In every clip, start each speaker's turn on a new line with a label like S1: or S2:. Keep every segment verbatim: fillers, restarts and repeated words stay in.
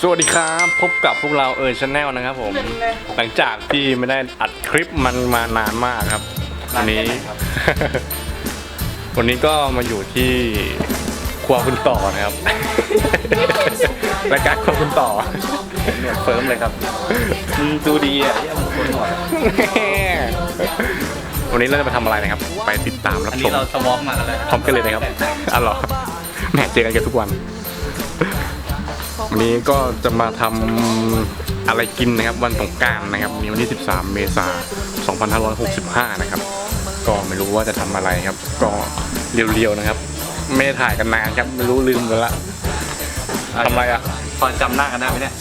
S1: สวัสดีครับพบกับพวกเราเออชาแนลนะครับผมหลังจากที่ไม่ได้อัดคลิปมันมานานมากครับวันนี้ วันนี้ก็มาอยู่ที่ครัวคุณต่อนะครับ รายการครัวคุณต่อเนี่ยเฟิร์มเลยครับดูดีอ่ะที่เอาคนหมดวันนี้เราจะมาทำอะไรนะครับไปติดตามรับชมอันนี้เราสวอปมาแล้วพร้อมกันเลยนะครับอ๋อเหรอแหมเจอกันกันทุกวันวันนี้ก็จะมาทำอะไรกินนะครับวันสงกรานต์นะครับมีวันที่สิบสามเมษายนสองพันห้าร้อยหกสิบห้านะครับก็ไม่รู้ว่าจะทำอะไรครับก็เรียวๆนะครับไม่ได้ถ่ายกันนานครับไม่รู้ลืมไปละทำอะไรอ่ะพอจำหน้ากันได้ไหมเนี่ย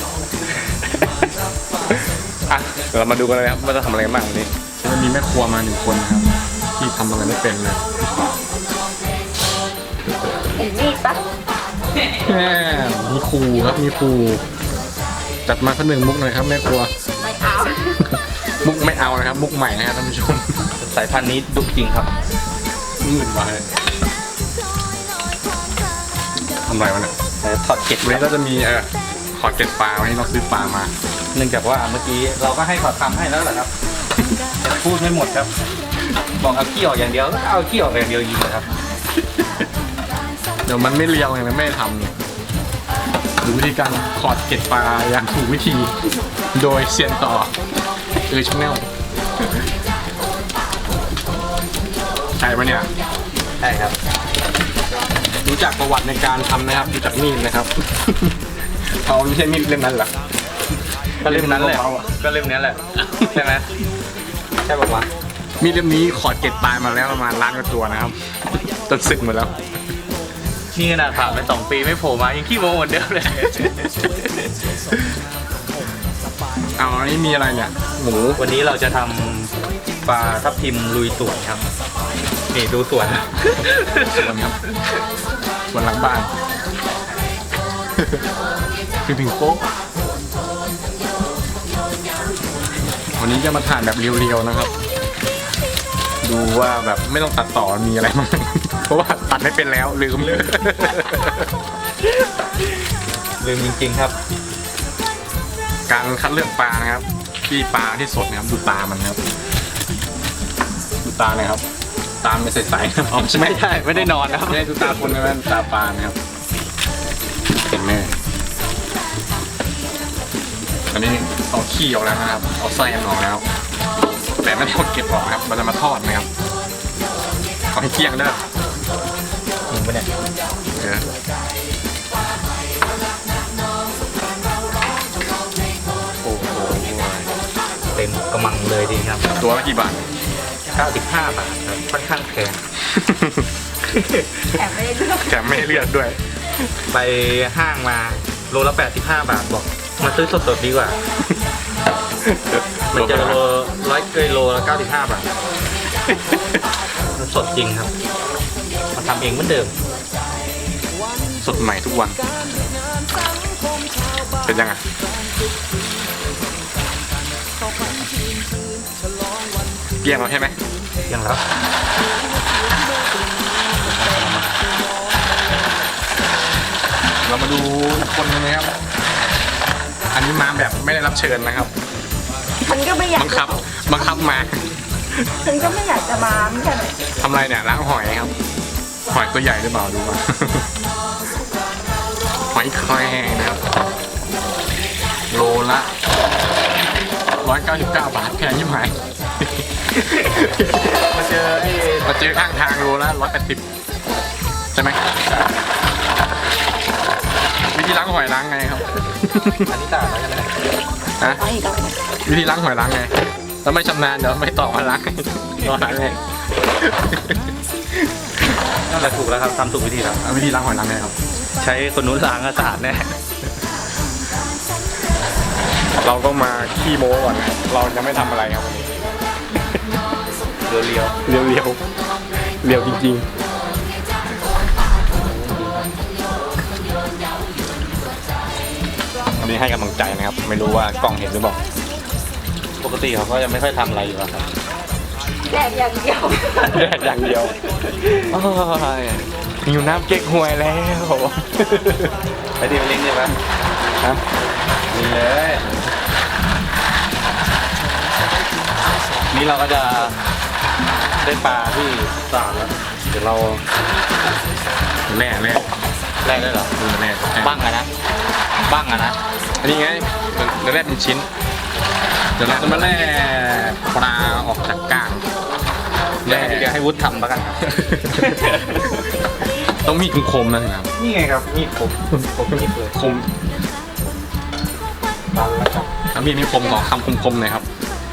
S1: อ่ะเรามาดูกันเลยครับว่าจะทำอะไรบ้างวันนี้มันมีแม่ครัวมาหนึ่งคนนะครับที่ทำอะไรไม่เป็นเลย
S2: เห็นมีดปะ
S1: แม่มีครูครับมีครูจัดมาสักหนึ่งมุกหน่อยครับแม่ครัว
S2: ไม่เอา
S1: มุกไม่เอานะครับมุกใหม่นะครับท่านผู้ชมสายพันธุ์นี้ดุจริงครับมืดมาเลยทำไรวะเนี่ยถอดเกล็ดวันนี้ก็จะมีเออถอดเกล็ดปลาวันนี้เราซื้อปลามาเนื่องจากว่าเมื่อกี้เราก็ให้ถอดทำให้แล้วแหละครับแต่พูดไม่หมดครับบอกเอาขี้ออกอย่างเดียวก็เอาขี้ออกอย่างเดียวยิงเลยครับเดี๋ยวมันไม่เรียวไงมันไม่ทำเนี่ยดูวิธีการถอดเกล็ดปลาอย่างถูกวิธีโดยเซียนต่อเออชแนลใช่ปะเนี่ยใช่ครับรู้จักประวัติในการทำนะครับรู้จักมีดนะครับเขาไม่ใช่มีดเล่มนั้นหรอก็เล่มนั้นแหละก็เล่มนี้แหละใช่ไหมใช่ป่าวะมีดเล่มนี้ขอดเกล็ดปลามาแล้วประมาณล้านกว่าตัวนะครับจนสึกหมดแล้วนี่ขนาดผ่านไปสองปีไม่โผล่มายังขี้โมเหมือนเดิมเลยเอาอันนี้มีอะไรเนี่ยหมูวันนี้เราจะทำปลาทับทิมลุยสวนครับนี่ดูสวนสวนครับสวนหลังบ้านคือถึงโป๊ะวันนี้จะมาถ่ายแบบเรียวๆนะครับดูว่าแบบไม่ต้องตัดต่อมีอะไรบ้างเพราะว่าตัดไม่เป็นแล้วลืมลืมจริงๆครับการคัดเลือกปลานะครับที่ปลาที่สดนะครับดูตามันครับดูตาเลยครับตาไม่ใสๆอ๋อไม่ใช่ไม่ได้นอนนะครับไม่ได้ดูตาคนนะตาปลานะครับเห็นไหมอันนี้เอาขี้ออกแล้วนะครับเอาไส้ออกแล้วแต่ไม่ได้เก็บออกครับมันจะมาทอดนะครับขอให้เที่ยงเด้อจริงปะเนี่ยเออโอ้โหเต็มกระมังเลยดีครับตัวละกี่บาทเก้าสิบห้าบาทครับค่อนข้างแพง
S2: แถมไม่ได้เลือก
S1: แถมไม่ได้เลือกด้วยไปห้างมาโลละแปดสิบห้าบาทบอกมาซื้อสดๆดีกว่ามันจะโลร้อยเกยโลละเก้าสิบห้าบาทมันสดจริงครับมาทำเองเหมือนเดิมสดใหม่ทุกวันเป็นยังไงเกลี้ยงแล้วใช่ไหมเกลี้ยงแล้วเรามาดูอีกคนนึงนะครับอันนี้มาแบบไม่ได้รับเชิญนะครับ
S2: ฉันก็ไม่อยาก
S1: บังคับบังคับมา
S2: ฉันก็ไม่อยากจะมาไม่ใช่ไหม
S1: ทำอะไรเนี่ยล้างหอยครับหอยตัวใหญ่หรือเปล่าดูว่าหอยแครงนะครับโลละร้อยเก้าสิบเก้าบาทแพงยิ่งหายมาเจอไอ้มาเจอข้างทางโลละร้อยแปดสิบใช่ไหมวิธีล้างหอยล้างไงครับอันนี้ต่างกันไหมฮะวิธีล้างหอยล้างไงถ้าไม่ชำนาญเดี๋ยวไม่ต่อมาล้างรอล้างไงนั่นแหละถูกแล้วครับทำถูกวิธีแล้ววิธีล้างหอยล้างไงครับใช้คนนู้นล้างสะอาดแน่เราก็มาขี้โม้ก่อนนะเราจะไม่ทำอะไรครับวันนี้เรียวเรียวเรียวเรียวเรียวจริงๆอันนี้ให้กำลังใจนะครับไม่รู้ว่ากล้องเห็นหรือเปล่าปกติเขาก็จะไม่ค่อยทำอะไรอยู่แล้วครับ
S2: แดดอย่างเดียว
S1: แดดอย่างเดียวหิวน้ำเก๊กฮวยแล้วไปดีไปเล่นใช่ไหมฮะ
S3: นี่เลยนี่เราก็จะได้ปลาที่สามแล้วเดี๋ยวเรา
S1: แร่แร่
S3: แรกได้เหรอ
S1: ดูแร่
S3: บ้างอะนะบ้างอะนะ
S1: อันนี้ไงเดี๋ยวแร่เป็นชิ้น เดี๋ยวเราจะมาแร่ปลาออกจากกลาง
S3: เดี๋ยวเดี๋ยวให้วุฒิทำแล้วกันครับ
S1: ต้องมีดคมๆนะครับ
S3: นี่ไงครับมีดคมคมมีดเลย
S1: คม
S3: ตันแล้วครับ
S1: ถ้ามีดนี่คมขอคำคมๆหน่อยครับ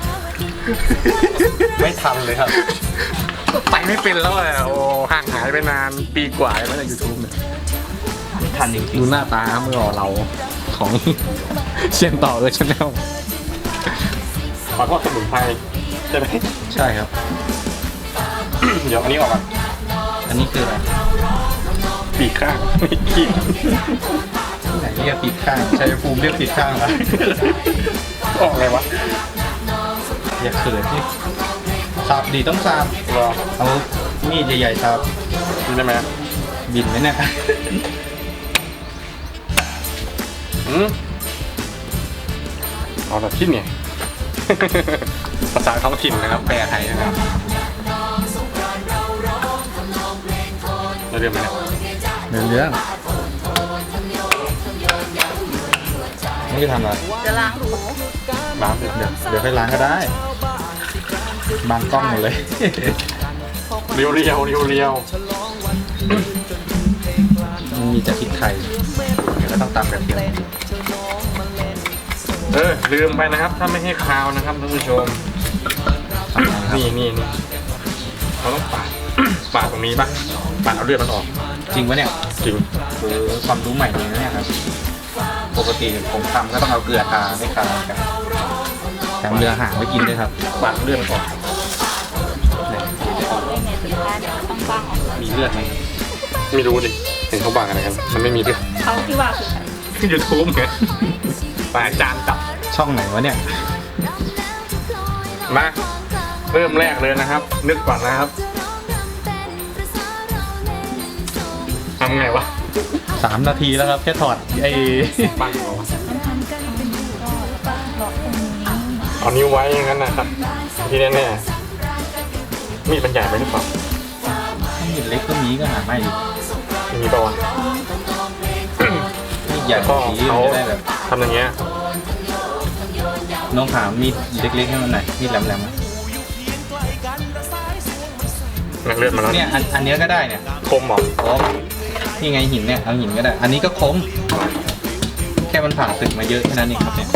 S3: ไม่ทันเลยครับ
S1: ไปไม่เป็นแล้วอ่ะโอ้ห่างหายไปนานปีกว่าแล้วในยูทูบเนี่ย
S3: ไม่ทันจริง
S1: ดูหน้าตาเมื่อเราของ เชียนต่อเลยชาแนลขอโทษสมุนไพรใช่ไหม
S3: ๆใช่ครับ
S1: เดี๋ยวอันนี้ออกก่อน
S3: อันนี้คืออะไร
S1: ปีกข้างขีด
S3: ไหนเรียกปิดข้างชัยภูมิเรียกปิดข้างนะ
S1: ออกไงวะ
S3: อย่าเขินที่สับดีต้องสับ
S1: รอ
S3: เอามีดใหญ่ๆสับ
S1: กินได้ไหม
S3: บินไหมเนี่ย
S1: อืมเอาแบบที่เนี่ย ภาษาท้องถิ่นนะครับแปลไทยนะครับเราเรียนไหมเนี่ย
S3: เรื่องเรื่องนี่จะทำอะไร
S2: จะล้างหู
S1: น้ำเดือด
S3: เดี๋ยวเดี๋ยวค่อยล้างก็ได้บางกล้องหมดเลย
S1: เรียวเรียวเรียวเรียว
S3: มันมีแต่พริกไทยเดี๋ยวก็ต้องตำแบบเดียว
S1: เออลืมไปนะครับ ถ้าไม่ให้คาวนะครับท่านผู้ชม
S3: ทำไงครับ
S1: นี่นี่นี่เราต้องปาด ปาดตรงนี้ปะปาดเอาเลือดมันออก
S3: จริงปะเนี่ย
S1: จริง
S3: คือความรู้ใหม่เลยนะเนี่ยครับปกติผมทำก็ต้องเอาเกลือทาไม่ทากันแถมเรือหางไว้กินด้วยครับ
S1: ปาดเลือดมันออก
S3: เนี่ย
S2: ออกได้ไงสุดท้ายเดี๋ยวมันต้องบ้างออก
S3: มีเลือดไหมครับ
S1: ไม่รู้ดิเห็นเขาบังอะไรกันมันไม่มีเลือด
S2: เขาที่ว่าคือใคร
S1: ยูทูบไงปาดจานจับ
S3: ช่องไหนวะเนี่ย
S1: มาเริ่มแรกเลยนะครับ นึกก่อนนะครับทำไงวะ
S3: สามนาทีแล้วครับแค่ถอดไอ้
S1: บังเหรอวะ
S2: หลอกตรงนี้
S1: เอานิ้วไว้อย่างนั้นนะครับ ที่แน่ๆมีดมันใหญ่ไปหรือเปล่า
S3: มีดเล็กก็มีก็หาไม่ดิ
S1: มีปะวะ
S3: มีดใหญ่ก
S1: ก็
S3: ว่านี้
S1: เขา
S3: มันจะได้แบบ
S1: ทำอย่างเงี้ย
S3: น้องถามมีดเล็กๆให้มันหน่อยมีดแหลมๆอะ
S1: นักเลือดมาแล้ว
S3: เนี่ยอันอันเนี้ยก็ได้เนี่ย
S1: คมเหรอ
S3: คมนี่ไงหินเนี่ยเอาหินก็ได้ อันนี้ก็คมแค่มันผ่านศึกมาเยอะแค่นั้นเองครับเนี่ย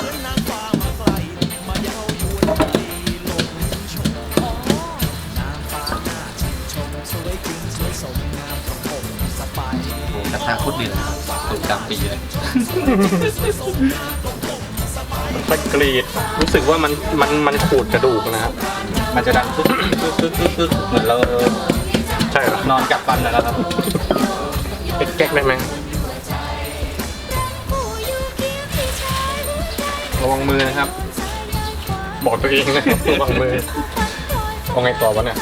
S3: โอ้กระทะโคตรดีเลยครับสูตรดำปีเลย
S1: ตะกรีดรู้สึกว่ามันมันมันขูดกระดูกนะครับ
S3: มันจะดังปึ๊กปึ๊กปึ๊กปึ๊กปึ๊กเหมือนเรา
S1: ใช่เหรอน
S3: อนกัดฟันนะครับ
S1: แก๊กๆได้ไหมระวังมือนะครับ บอกตัวเองนะระวังมือเอาไงต่อวะเนี่ย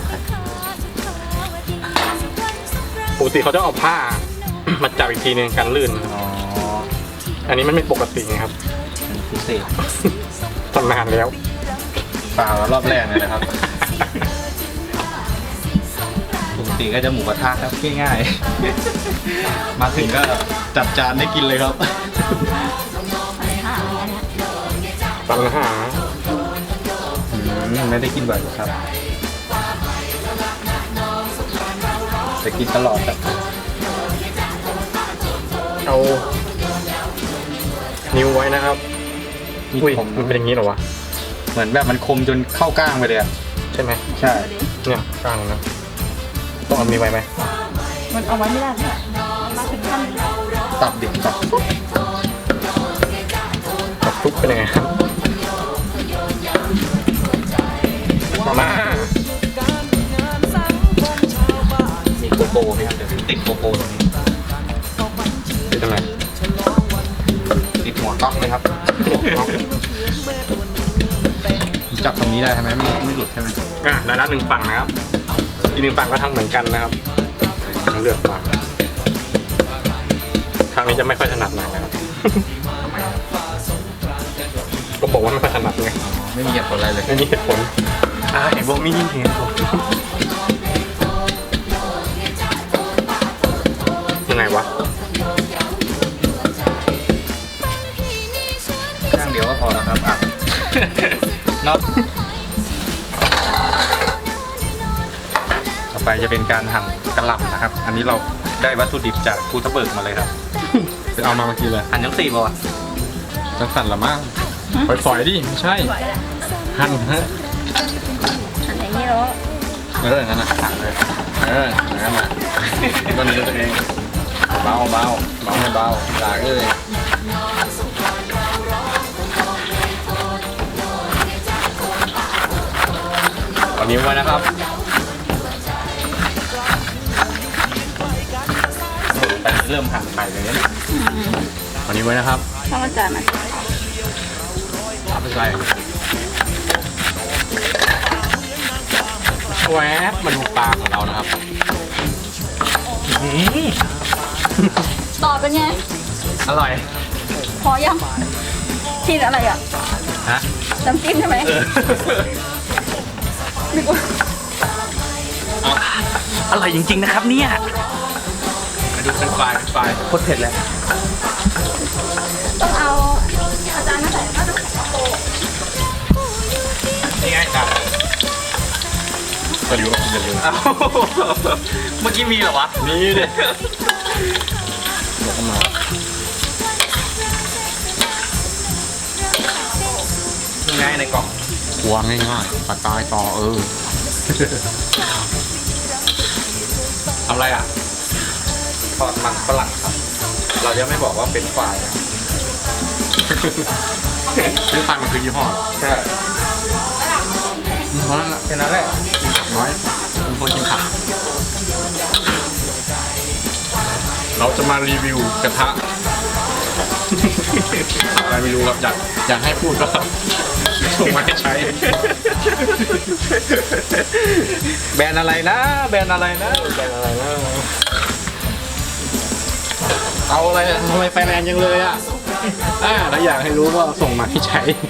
S1: ปกติเขาจะเอาผ้า มาจับอีกทีนึงกันลื่นนะครับ
S3: อ๋อ
S1: อันนี้มันไม่ปกติไงครับ
S3: พิเศษ
S1: ทำนานแล้ว
S3: เปล่ารอบแรกเลยนะครับปกติก็จะหมูกระทะครับง่ายๆ มาถึงก็จัดจานได้กินเลยครับ
S2: หาอันเนี้ย
S1: ปัญหา
S3: อืมไม่ได้กินบ่อยหรอกครับจะกินตลอดครับ
S1: เอานิ้วไว้นะครับ
S3: มี
S1: อุ้ย
S3: คม
S1: มันเป็นอย่างนี้เหรอวะ
S3: เหมือนแบบมันคมจนเข้าก้างไปเลยอะ
S1: ใช่ไหม
S3: ใช่
S1: เนี่ยกลางนะต้องเอามีไว้ไหม
S2: มันเอาไว้ไม่ได้เนี่ยมาถึงขั้นนี้แล้ว
S3: ตับเด็กตับ
S1: กับทุกเป็นยังไงครับมา
S3: มีโกโก้ไหมครับเดี๋ยวติดโกโก้ตรงนี้
S1: เป็นยังไง
S3: ติดหัวก๊อกเลยครับจับตรงนี้ได้ใช่ไหมไม่ไม่หลุดใช่ไหม
S1: อ่ะแล้วนั้นหนึ่งฝั่งนะครับ อีกหนึ่งฝั่งก็ทำเหมือนกันนะครับเลือกฝั่งทางนี้จะไม่ค่อยถนัดหน่อยนะครับบอกว่าไม่ค่อยถนัดไง
S3: ไม่มีเหตุผลอะไรเลย
S1: ไม่มีเหตุผลอ่าเห็นบอกมีเหตุผลยังไงวะ
S3: ข้างเดียวก็พอแล้วครับอ่ะน็อตต่อไปจะเป็นการหั่นกระหล่ำนะครับ อันนี้เราได้วัตถุดิบจากภูทับเบิกมาเลยครับ
S1: จะเอามาเมื่อกี้เลย
S3: หั่นยังสี่ป่ะ
S1: จังสั่นละมั้งฝอยๆดิไม่ใช่
S2: ไหวแล้ว
S1: หั่นฮะ
S2: อันนี้แล้ว
S1: เอออย่างนั้นนะหั่นเลยเอออย่างนั้นนะก็นี้ตัวเองเบาเบาเบาให้เบาหลากเลยตอนนี้ไว้นะครับ
S3: แต่เริ่มหั่นไข่เลยเนี่ย
S1: ตอนนี้ไว้นะครับ
S2: ข้าวมันจานมัน
S1: เอาไปใส่แวบมาดูปลาของเรานะครับ
S2: ต่อเป็นไง
S1: อร่อย
S2: พอยังกินอะไรอ่ะ
S1: ฮะ
S2: น้ำจิ้มใช่ไหมนึกว่า
S3: อร่อยจริงๆนะครับเนี่ย
S1: มาดูเป็นปลาเป็นปลา
S3: โคตรเผ็ดเลย
S2: ต้องเอาอาจารย์มาใส่ก็ต้องเอาโปะ
S1: นี่ไงจ้ะก็อยู่กับคุณอย่าลืม
S3: อ้าวเมื่อกี้มีเหรอวะ
S1: นี่ดิยกมา
S3: ยังไงในกล่อง
S1: วางง่ายๆปากกายต่อเออทำอะไรอ่ะ
S3: ทอดมันฝรั่งครับ เราจะไม่บอกว่าเป็นฝ่ายนะ
S1: ซื้อฟันมันคือยี่ห้อ
S3: ใช่
S1: เพราะนั่นแหละ
S3: แค่นั้นแหละ
S1: กินผักน้อยเป็นคนกินผักเราจะมารีวิวกระทะ อะไรไม่รู้ครับอยากอยากให้พูดก็ส่งมาให้ใช้
S3: แบรนด์อะไรนะ แบรนด์อะไรนะ
S1: แบรนด์อะไรนะเอาอะไรอะทำไมไฟแรงยังเลยอ่ะอ่าถ้าอยากให้รู้ก็ส่งมาให้ใช้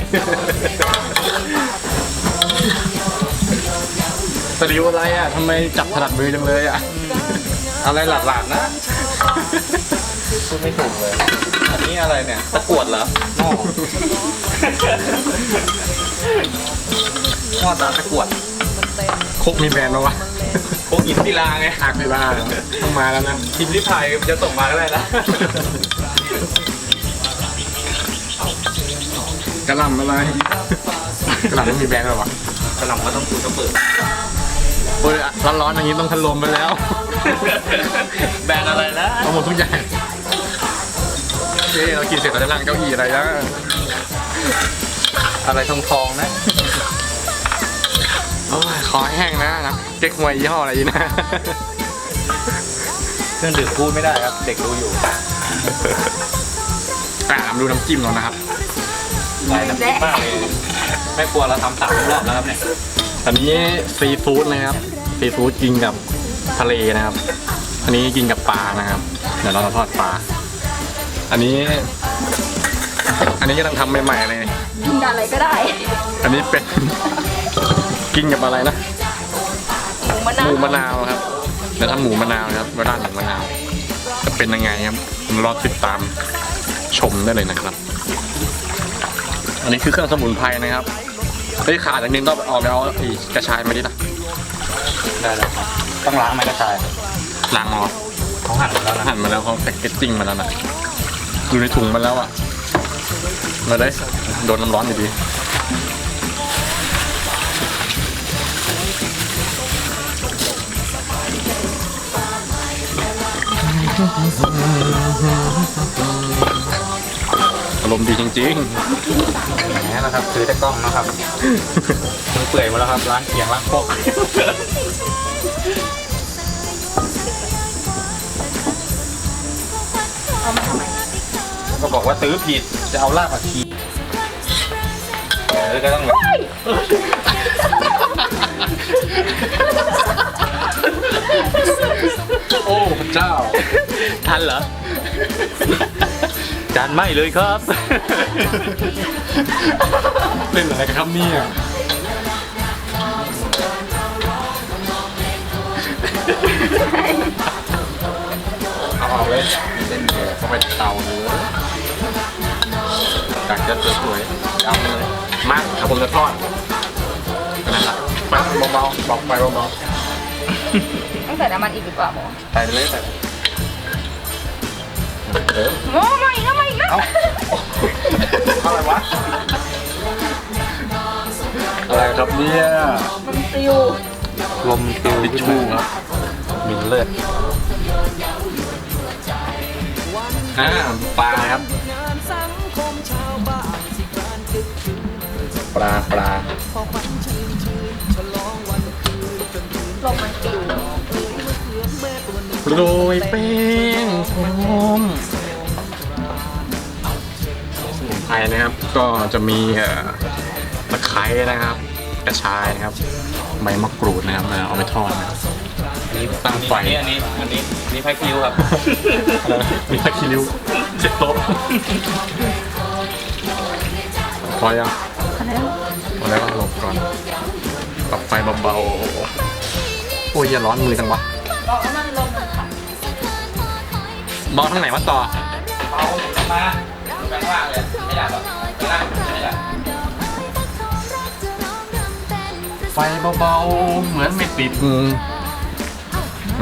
S1: สลิวอะไรอ่ะทำไมจับถนัดมือจังเลยอ่ะ
S3: อะไรหลาดๆนะพูดไม่ถูกเลย อันนี้อะไรเนี่ย ตะกรวดเหรอหม้อหม้อตาตะกรวด
S1: คกมีแบรนด์ปะวะ
S3: พวกอินทิราไง
S1: หักไปบ้างต้องมาแล้วนะ
S3: พิมพ์ริพายจะส่งมาก็ได้นะ
S1: กระหล่ำอะไรกระหล่ำไม่มีแบรนด์หรอวะ
S3: กระหล่ำก็ต้องคูต้องเปิด
S1: โอ้ยร้อนๆอย่างนี้ต้องพัดลมไปแล้ว
S3: แบรนด์อะไรนะ
S1: เอาหมดทุกอย่างเฮ้ยเรากินเสร็จเราจะนั่งเก้าอี้อะไรแล้ว
S3: อะไรทองทองๆนะ
S1: โอ้ยคอแห้งนะนะเก๊กฮวยยี่ห้ออะไรนะ
S3: เครื่องดื่มพูดไม่ได้ครับ เด็กดูอยู่
S1: อ่ะมาดูน้ำจิ้มเรานะครับ
S3: ลายน้ำจิ้มมากเลยแม่ครัวเราทำสามรอบแล้วครับเนี่ย
S1: อันนี้ซีฟู้ดนะครับซีฟู้ดกินกับทะเลนะครับ อันนี้กินกับปลานะครับ เดี๋ยวเราจะทอดปลา อันนี้ อันนี้กำลังทำใหม่ๆเลย
S2: กินกับอะไรก็ได้
S1: อันนี้เป็น กินกับอะไรนะ
S2: หมูมะ
S1: ห
S2: นาว
S1: มูมะนาวครับเดี๋ยวทำหมูมะนาวนะครับเวลาหมูมะนาวจะเป็นยังไงครับรอติดตามชมได้เลยนะครับ อันนี้คือเครื่องสมุนไพรนะครับเฮ้ยขาดอย่างนึงก็ออกไปเอาไอ้กระชายมาดิล่ะ
S3: ได้แล้วครับ ต้องล้างไหมกระชาย
S1: ล้างออก
S3: เขาหั่นมาแล้วนะ
S1: หั่นมาแล้วเขาแพ็กเกจจิ้งมาแล้วนะอยู่ในถุงมาแล้วอ่ะมาได้โดนน้ำร้อนอยู่ดีอารมณ์ดีจริงๆ
S3: แหมนะครับซื้อแต่กล้องนะครับมือเปื่อยหมาแล้วครับล้างเขียงล้างโคกก็บอกว่าซื้อผิดจะเอารากผักชีเออก็ต้อง
S1: โอ้พระเจ้า
S3: ทันเหรอจานไหม้เลยครับ
S1: เล่นอะไรกันครับเนี่ยเอาเอาเลยเล่นเดี๋ยวเข้าไปเตาเลยอยากจะสวยๆเอาเลยมาเอาผมจะทอดนั่นแหละมาเบาๆบอกไปเบา
S2: ต้องใส่น้ำมันอีกดีกว่าหมอ
S1: ๆใส่เลยใส่เออ
S2: โอ้มาอีกแล้วมาอีกแล้ว
S1: เอาอะไรวะอะไรครับเนี่ย
S2: มันซิว
S3: ลมติว
S1: ทิชชู่ครับมินเลือดอ่าปลาครับปลาปลา
S2: ลมมันซิว
S1: โรยแป้งหอมสมุนไพรนะครับก็จะมีเอ่อตะไคร้นะครับ กระชายนะครับใบมะกรูดนะครับเอาไปทอดนะครับตั้งไฟ
S3: อันนี้อันนี้อันนี้นี่ไฟคิวครับ
S1: มีตะคิริ้วเจ็ดโต๊ะพอยัง
S2: อะไรวะ
S1: พอแล้วก็หลบก่อนปรับไฟเบาๆโอ้ยอย่าร้อนมือจังวะ
S2: บอกว่ามันลมมันค่ะ
S1: มองทางไหนวะต่อ
S3: เอามาแบงล่างเลยไม่อยากหรอกไม่ได้ไม่อยาก
S1: ไฟเบาๆเหมือนไม่ติดมือมา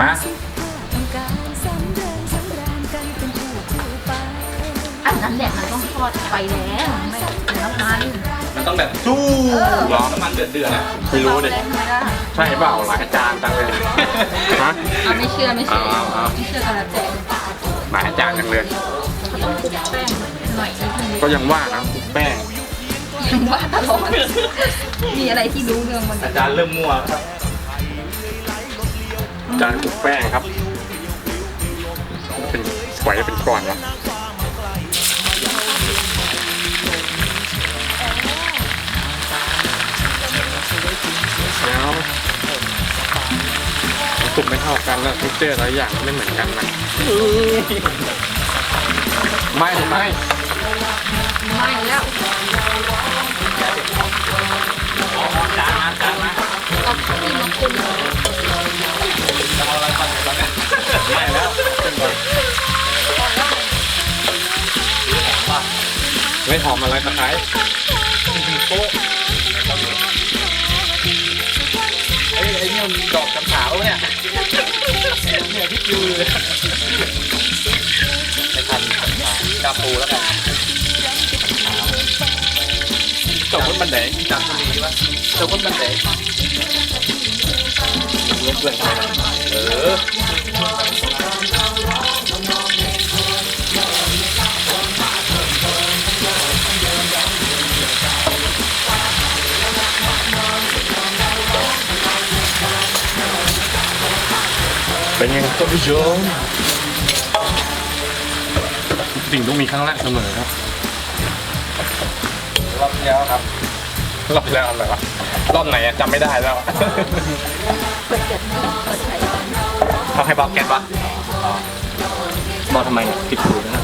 S2: อันนั้นแหละมันต้องทอดไฟแรงไม่น้ำมัน
S3: มันต้องแบบจู้ร้อนน้ำมันเดือดเดือดๆอะ
S1: ไม่รู้ดิ
S2: ทำไมได้
S1: ใช่เปล่าหลายอาจารย์จังเลยฮะ
S2: เอาไม่เชื่อไม่เชื่อ
S1: เอาเอาเอา
S2: ไม่เชื่อกันแล้วแต่
S1: หลายอาจารย์จังเลย
S2: เขาต้องคลุกแป้งหน่อยนิดนึง
S1: ก็ยังว่านะคลุกแป้ง
S2: ยังว่าตลอดมีอะไรที่รู้เรื่องมัน
S3: อาจารย์เริ่มมั่วครับ
S1: อาจารย์คลุกแป้งครับ เป็นไหวเป็นก้อนวะแล้วสุกไม่เท่ากันแล้วทุกเจอแต่ละอย่างไม่เหมือนกันนะไม่ไม่
S2: ไม่แล้ว
S3: จานมาจานมา
S2: เอาที่มาคุม
S3: จะเอาอะไรก่อนตอนนี้
S1: ไม่แล้วไม่หอมอะไรตะไคร้
S3: โป๊ะเอ้ยไอ้นี่มันดอกกำถาวเนี่ยเนี่ยพี่คิวเลยไม่ทันกำถาวกาปูแล้วกัน
S1: จบรถบันได
S3: จำตัวนี้วะเจ้าคนบันเดรวมเพื่อนกันเออ
S1: เป็นยังไงท่านผู้ชมสิ่งต้องมีครั้งแรกเสมอครับ
S3: รอบที่แล้วครับ
S1: รอบแล้วอะไรวะรอบไหนอะจำไม่ได้แล้ว
S2: เปิดเกิดเปิดไฟ
S1: เขาให้บอกแกนปะ
S3: บอกทำไมเนี่ยผิดถูกนะ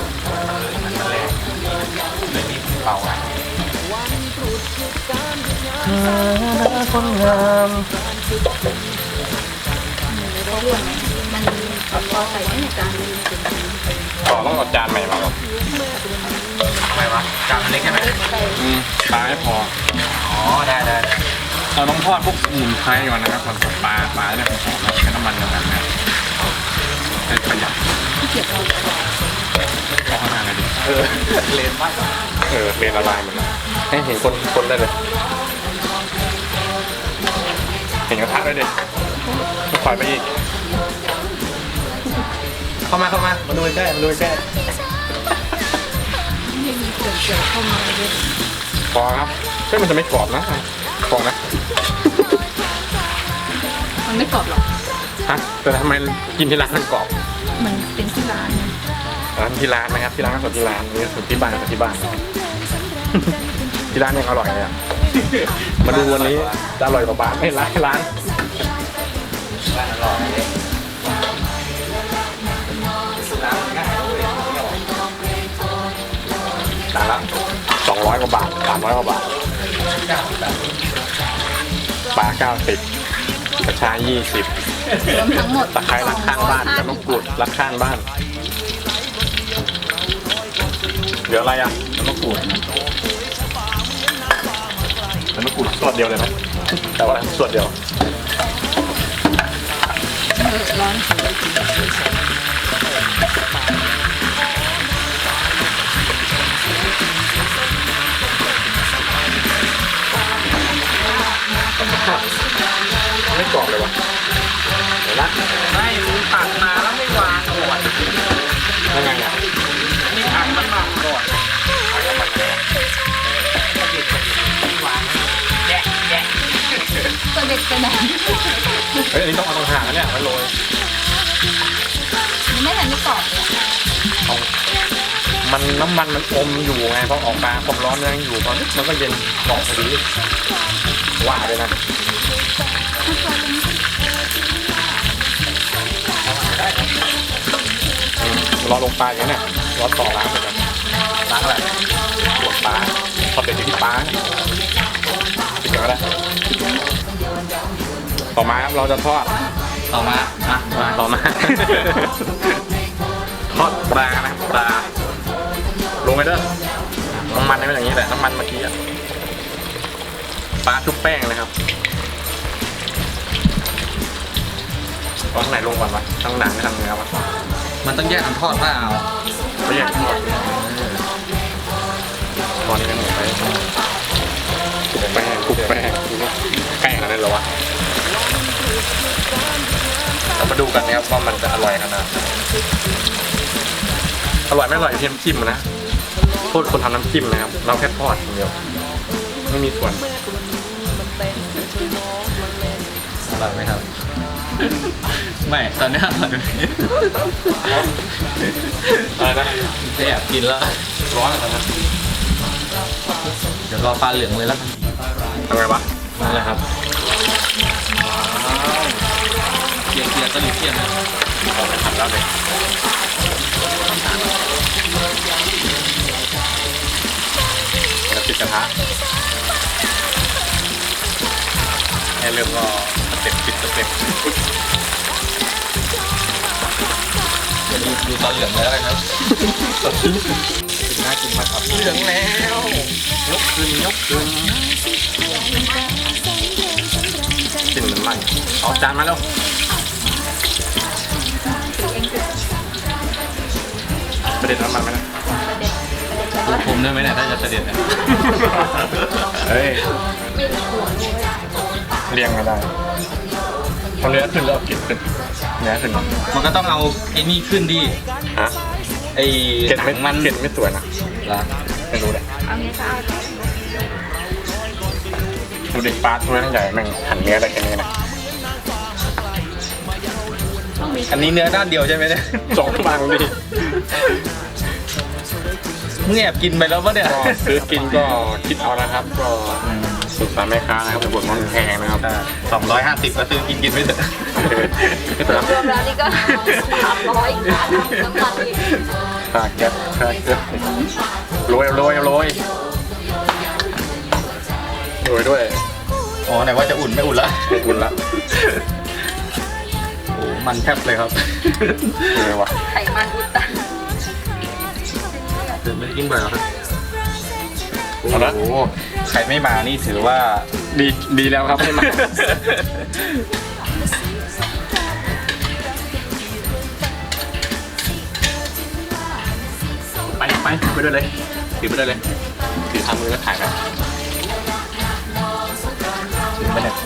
S3: เปล่าอ่ะ
S1: คนงาม
S2: เขาเรื่องมันพอใส่ในจานนี้
S1: ต่อต้องเอาจานใหม่มาหรอ
S3: ทำไมวะจานเล็กใช่ไหม
S2: ใส่
S1: อืมปลาไม่พอ
S3: อ๋อได้ได้ได้
S1: เราต้องทอดพวกสมุนไพรก่อนนะครับก่อนปลาปลาเนี่ยหอมๆใช้น้ำมันอย่างนั้นนะให้ประหยัด
S2: ที่เก็บเรา
S1: เอาข้างหน้าเลยดิ
S3: เออเลนมาก
S1: เออเป็นละลายหมดเลยให้เห็นคนคนได้เลยเห็นกระทะได้ดิถอยไปอีก
S3: เข้ามาเข้ามามาดูใกล้มาดูใกล้
S2: ไม่มีเกลือเกลือเข้ามาเลย
S1: พอครับเฮ้ยมันจะไม่กรอบนะพอนะ
S2: มันไม่กรอบหรอก
S1: ฮะแต่ทำไมกินที่ร้านมันกรอบ
S2: มันเป็นที่ร้าน
S1: ร้านที่ร้านนะครับที่ร้านก็สดที่ร้านนี่สูตรที่บ้านกับที่บ้าน ที่ร้านยังอร่อยเลยอ่ะ มาดูวันนี้จะอร่อยกว่าบ้านไม่ร้านร้าน
S3: ร้านอร่อยเลยร้านง่ายเลย
S1: จานละสองร้อยกว่าบาทสามร้อยกว่าบาทปลาเก้าสิบกระชายยี่สิบ
S2: รวมทั้งหมด
S1: ตะไคร้รักข้างบ้านกับมะกรูดรักข้างบ้านเหลืออะไรอ่ะมะกรูดมะกรูดส่วนเดียวเลยไหมแต่ว่าส่วนเดียว
S2: ร้อน
S1: ไม่กรอบเลยวะเดี๋ยวนะ
S3: ไม่มึงตักมาแล้วไม่วางก่อน
S1: ยังไงอ่ะ
S3: นี่อัดน้ำมันก่อนแยะแยะ
S2: ตัวเด็กไปไหน
S1: เฮ้ยอันนี้ต้องเอาตรงหางนะเนี่ยมันโรย
S2: ยังไม่ทันได้กรอบเลย
S1: เอามันน้ำมันมันอมอยู่ไงพอออกมาความร้อนยังอยู่ตอนนี้มันก็เย็นกรอบพอดีว่าเลยนะอืมรอลงปลาอย่างนี้เนี่ยรอต่อล้างเหมือนกันล้างอะไรปวดปลาพอเป็นอยู่ที่ปลาปิดก่อนก็ได้ต่อมาครับเราจะทอด
S3: ต่อมาอ่ะมา
S1: ต่อมา ทอดปลานะครับปลาลงไปเด้อน้ำมันเป็นอย่างนี้แหละน้ำมันเมื่อกี้อะปลาชุบแป้งนะครับตอนไหนลงก่อนวะทั้งหนังไม่ทั้งเนื้อวะ
S3: มันต้องแยกกันทอดเปล่า
S1: ไม่อยากทอดตอนนี้ยังหมดไปคลุกแป้งคลุกแป้งใกล้ขนาดนั้นเหรอวะเรามาดูกันนะครับว่ามันจะอร่อยขนาดไหนอร่อยไม่อร่อยอยู่ที่น้ำจิ้มนะโทษคนทำน้ำจิ้มนะครับเราแค่ทอดอย่างเดียวไม่มีส่วน
S3: อร่อยไหมครับ ไม่ตอนนี้อร่อยไหม
S1: อะไรนะ
S3: จะแอบกินแล้ว
S1: ร้อนอะไรนะ
S3: เดี๋ยวรอปลาเหลืองเลยแล้วกัน
S1: ทำไงวะ
S3: นั่นแหละครับเกียร์เกียร์ตะลิเกียร์นะ
S1: ออกไปทำแล้วเลยแล้วปิดกระทะให้เริ่มก็สเต็ปปิดสเต็ป
S3: เดี๋ยวดูดูตอนเหลืองเลยแล้วกันครับ
S1: น่ากินมากครับเหลืองแล้วยกขึ้นยกขึ้นกลิ่นมันไหม้เอาจานมาแล้วประเด็นน้ำมันไหมนะ
S3: ดูผมได้ไหมเนี่ยถ้าจะเสด็จเนี่ย
S1: เฮ้ยเรียงมาได้ทำเนื้อขึ้นแล้วเอากลิ่นขึ้นเนื้อขึ้น
S3: มันก็ต้องเอาไอ้นี่ขึ้นดิ
S1: ฮะ
S3: ไอ้
S1: เกล็ด
S3: หนั
S1: ไม่
S3: งมัน
S1: เกล็ดไม่สวยนะ
S3: ละ
S1: ไม่รู้เลย
S2: เอางี้ก็เอา
S1: ดูเด็กปลาตัวทั้งใหญ่แม่งหั่นเนื้อได้แค่นี้นะ
S3: อันนี้เนื้อด้านเดียวใช่ไหมเนี่ย
S1: สองบางดิ
S3: มึงแอบกินไปแล้วปะเนี่ย
S1: ก็ซื้อกินก็คิดเอานะครับ ก็สุดสารแม่ค้านะครับเป็นบทมันแพงนะครับ
S3: สองร้อยห้าสิบก็ซื้อกินกินไม่เถอะ
S2: รวมแล้วนี่ก็สามร้อยบาทน้ำมันอีก
S1: ค่าแก๊สค่าแก๊สโรยโรยโรยโรยด้วย
S3: อ๋อไหนว่าจะอุ่นไม่อุ่นละ
S1: ไม่อุ่นละ
S3: โอ้มันแทบเลยครับ
S1: เออว่ะ
S2: ไขมันอุดตัน
S3: ตื่นไม่ได้กินบ่อยแล้วครับ
S1: เอาละ
S3: โอ้โหใครไม่มานี่ถือว่า
S1: ดีดีแล้วครับให้มาไปไปไปด้วยเลยถือไปด้วยเลยถือทำมือแล้วถ่ายไป
S3: ถึงไปเนี่ย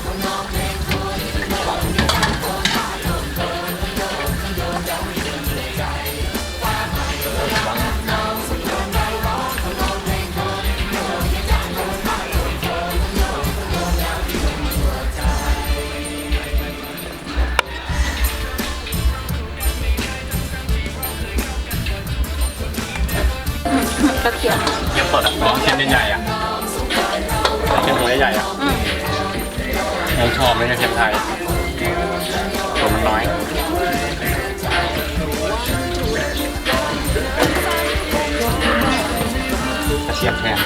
S2: กระเทียม
S1: เทียมสดอ่ะอ๋อเทียมใหญ่ๆอ่ะเทียมตัวใหญ่ๆอ่ะ
S2: อืม
S1: เราชอบไม่ใช่เทียมไทยตัวมันน้อยกระ
S3: ระเทียมแทน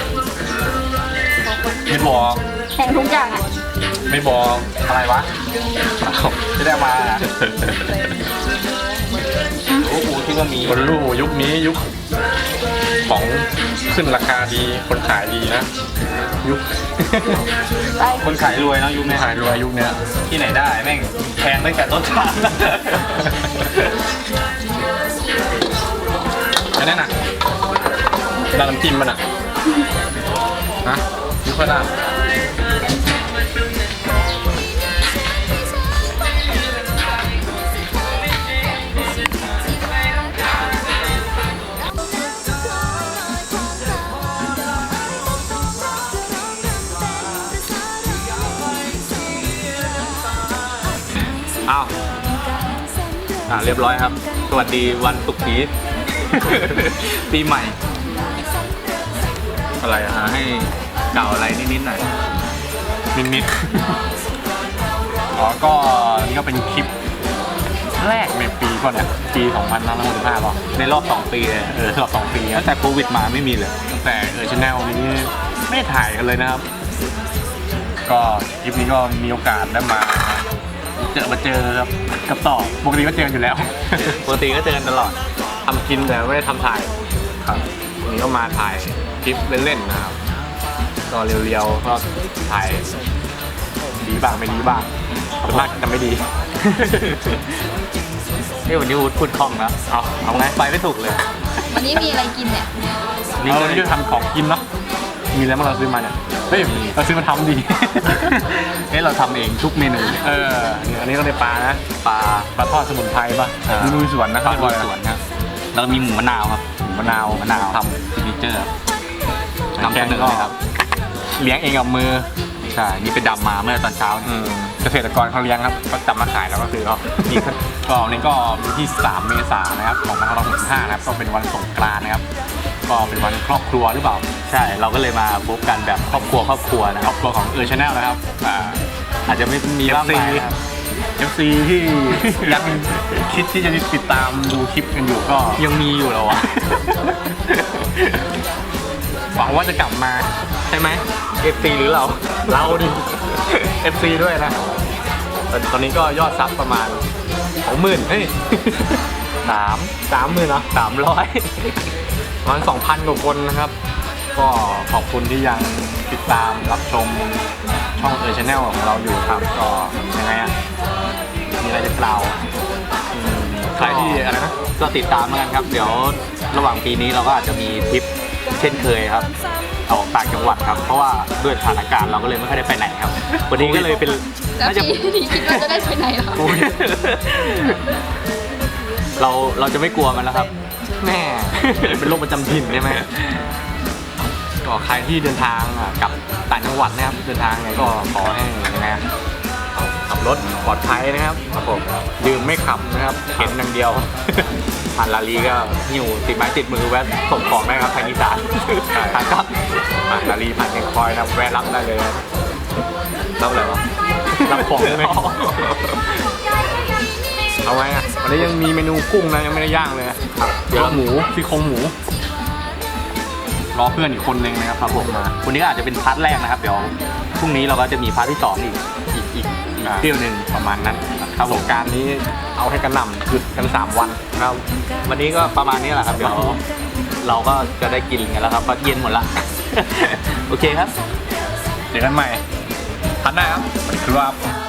S3: ไม่บอก
S2: แพงทุกอย่างอ่ะ
S3: ไม่บอกอะไรวะไม่ได้มาโอ้โหที่ว่ามี
S1: คนรู้ยุคนี้ยุคของขึ้นราคาดีคนขายดีนะยุค
S2: ไป
S3: คนขายรวยเนาะยุคนี้
S1: ขายรวยยุคเนี้ย
S3: ที่ไหนได้แม่งแพงตั้งแต่ต้นทาง
S1: อันนั้นน่ะร้านน้ำจิ้มมันอ่ะฮะยุคข้าวหน้า
S3: อ้าวอ่าเรียบร้อยครับสวัสดีวันศุกร์นี้ ปีใหม่
S1: อะไรอ่ะ
S3: อ่าให้เก่าอะไรนิดๆหน่อย
S1: นิดนิดๆอ๋อก็นี่ก็เป็นคลิปแรกในปีก่อนเนี่ยปีสองพันห้าร้อยหกสิบห้าป่ะ
S3: ในรอบสองปีเลย
S1: เออรอบสองปี
S3: ตั้งแต่โควิดมาไม่มีเลย
S1: ตั้งแต่เออชแนลนี้ไม่ได้ถ่ายกันเลยนะครับ ก็คลิปนี้ก็มีโอกาสได้มาเจอมาเจอครับกับต่อปกติก็เจอกันอยู่แล้ว
S3: ปกติก็เจอกันตลอด
S1: ทำกินแต่ไม่ได้ทำถ่ายครับวันนี้ก็มาถ่ายคลิปเล่นๆนะครับก็เรียวๆก็ถ่ายดีบ้างไม่ดีบ้างส่วนมากจะไม่ดี
S3: นี่วันนี้วูดพูดคล่องแล้ว
S1: เอาเอาไง
S3: ไปไม่ถูกเลย
S2: วันนี้มีอะไรกินเนี่ย
S3: นี่
S1: เอา
S3: ก็
S1: วันนี้จะทำของกินเนาะมีอะไรบ้างเราซื้อมาเนี่ยเฮ้ยเราซื้อมาทำดี
S3: เฮ้ยเราทำเองทุกเมนู
S1: เอออันนี้ก็ได้ปลานะ
S3: ปลา
S1: ปลาทอดสมุนไพรป่ะ
S3: อ่า
S1: ดูลุยสวนนะ
S3: ปลาลุยสวนครับแล้วก็มีหมูมะนาวครับ
S1: มะนาว
S3: มะนาว
S1: ท
S3: ซิกเนเจอร์
S1: ำ
S3: นำเสนอเลยครับ
S1: เลี้ยงเองกับมือ
S3: ใช่นี่ไปดำมาเมื่อตอนเช้า
S1: อืมเกษตรกรเขาเลี้ยงครับก็จับมาขายแล้วก็คือก็นี่ก็ก็วันนี้ก็วันที่สามเมษายนนะครับสองพันห้าร้อยหกสิบห้านะครับก็เป็นวันสงกรานต์นะครับก็เป็นวันครอบครัวหรือเปล่า
S3: ใช่เราก็เลยมาพบกันแบบครอบครัวครอบครัวนะ
S1: ค
S3: ค
S1: ร
S3: รั
S1: อ
S3: บบ
S1: ครัวของเออชาแนลนะครับอ่า
S3: อาจจะไม่มีบ้างไหมนะครับ
S1: เอฟซีที่ ยังคิดที่จะติดตามดูคลิปกันอยู่ก็
S3: ยังมีอยู่เหรอวะ
S1: หวังว่าจะกลับมาใช่ไหม
S3: เอฟซีหรือเรา
S1: เราดิ เอฟซีด้วยนะแต่ตอนนี้ก็ยอดซับประมาณสองหมื่นเฮ้ย
S3: สาม
S1: สามหมื่นเนาะ
S3: สามร้อย
S1: ประมาณสองพันกว่าคนนะครับ ก็ขอบคุณที่ยังติดตามรับชมช่องเออชาแนลของเราอยู่ครับก็ยังไงอ่ะมีอะไรจะกล่าวอืมใครที่อะไรนะ
S3: ก็ติดตามแล้วกันครับ เดี๋ยวระหว่างปีนี้เราก็อาจจะมีทริปเช่นเคยครับออกต่างจังหวัดครับ เพราะว่าด้วยสถานการณ์เราก็เลยไม่ค่อยได้ไปไหนครับ วันนี้ก็เลยเป็น
S2: แล้ว
S3: น่าจะ
S2: พี่นี่คิดว่าจะได้ไปไหนเหรอ
S3: เราเราจะไม่กลัวมันแล้วครับ
S1: แม่ เป็นโรคประจำถิ่นใช่ไหมก็ใครที่เดินทางอ่ะกลับต่างจังหวัดนะครับเดินทางไงก็ขอให้ยังไงอ่ะขับรถปลอดภัยนะครับครับผมดื่มไม่ขับนะครับเข็นอย่างเดียว
S3: ผ่านลาลีก็หิ้วติดไม้ติดมือแวะส่งของได้ครับทางอีสานทางก็
S1: ผ่านลารีผ่านเชียงคอยนะแวะรับได้เลยนะรับอะไรวะรับของได้ไหมเอาไงอ่ะวันนี้ยังมีเมนูกุ้งนะยังไม่ได้ย่างเลยนะครับเดี๋ยวหมูซี่โครงหมูรอเพื่อนอีกคนนึงนะครับครับผมมา
S3: วันนี้ก็อาจจะเป็นพาร์ทแรกนะครับเดี๋ยวพรุ่งนี้เราก็จะมีพาร์ทที่สองอีกอีกอีกอีกเที่ยวหนึ่ง
S1: ประมาณนั้นครับสงกรารนี้เอาให้กระหน่ำหยุดกันสามวันครับ
S3: วันนี้ก็ประมาณนี้แหละครับเดี๋ยวเราก็จะได้กินกันแล้วครับเพราะเย็นหมดละ โอเคครับ
S1: เจอกันใหม่พัดหน้าครับสวัสดีครับ